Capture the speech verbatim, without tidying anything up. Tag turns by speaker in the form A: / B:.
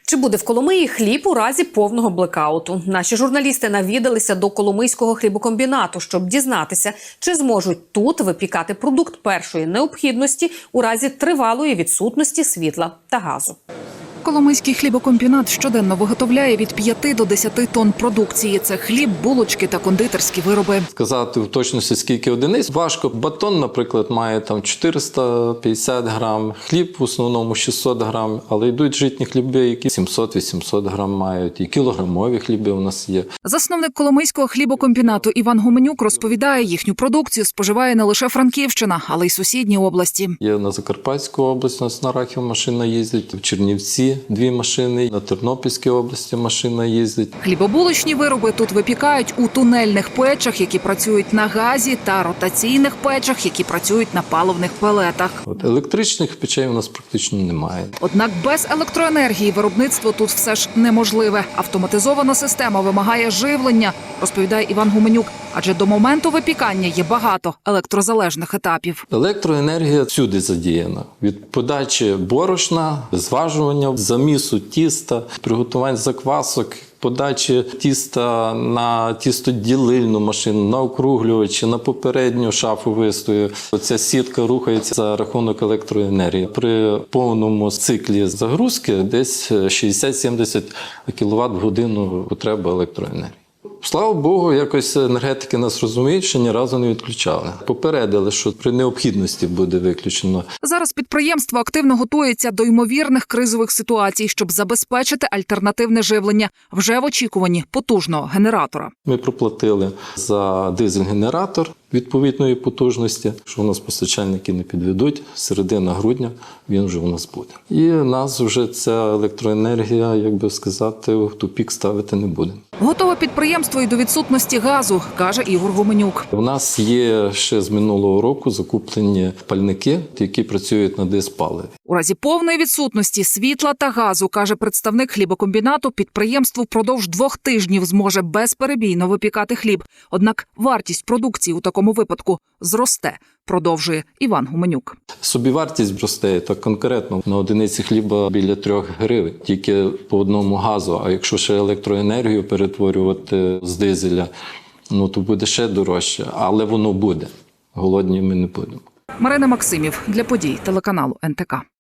A: Чи буде в Коломиї хліб у разі повного блекауту? Наші журналісти навідалися до Коломийського хлібокомбінату, щоб дізнатися, чи зможуть тут випікати продукт першої необхідності у разі тривалої відсутності світла та газу.
B: Коломийський хлібокомбінат щоденно виготовляє від п'яти до десяти тонн продукції. Це хліб, булочки та кондитерські вироби.
C: Сказати в точності, скільки одиниць важко. Батон, наприклад, має там чотириста п'ятдесят грам, хліб в основному шістсот грам, але йдуть житні хліби, які сімсот-вісімсот грам мають, і кілограмові хліби у нас є.
B: Засновник Коломийського хлібокомбінату Іван Гуменюк розповідає, їхню продукцію споживає не лише Франківщина, але й сусідні області.
C: Є на Закарпатську область, у нас на Рахів машина їздить, в Чернівці дві машини, на Тернопільській області машина їздить.
B: Хлібобулочні вироби тут випікають у тунельних печах, які працюють на газі, та ротаційних печах, які працюють на паливних пелетах.
C: От електричних печей у нас практично немає.
B: Однак без електроенергії виробництво тут все ж неможливе. Автоматизована система вимагає живлення, розповідає Іван Гуменюк, адже до моменту випікання є багато електрозалежних етапів.
C: Електроенергія всюди задіяна. Від подачі борошна, зважування, замісу тіста, приготування заквасок, подачі тіста на тістоділильну машину, на округлювачі, на попередню шафу вистою. Оця сітка рухається за рахунок електроенергії. При повному циклі загрузки десь шістдесят-сімдесят кіловат в годину потреба електроенергії. Слава Богу, якось енергетики нас розуміють, що ні разу не відключали. Попередили, що при необхідності буде виключено.
B: Зараз підприємство активно готується до ймовірних кризових ситуацій, щоб забезпечити альтернативне живлення вже в очікуванні потужного генератора.
C: Ми проплатили за дизель-генератор відповідної потужності, що у нас постачальники не підведуть. Середина грудня він вже у нас буде. І нас вже ця електроенергія, як би сказати, в тупік ставити не буде.
B: Готове підприємство і до відсутності газу, каже Ігор Гуменюк.
C: У нас є ще з минулого року закуплені пальники, які працюють на дизпаливі.
B: У разі повної відсутності світла та газу, каже представник хлібокомбінату, підприємство впродовж двох тижнів зможе безперебійно випікати хліб. Однак вартість продукції у такому випадку зросте, продовжує Іван Гуменюк.
C: Собівартість зросте так конкретно на одиниці хліба біля трьох гривень, тільки по одному газу. А якщо ще електроенергію перетворювати з дизеля, ну то буде ще дорожче, але воно буде. Голодні ми не будемо.
B: Марина Максимів для подій телеканалу ен те ка.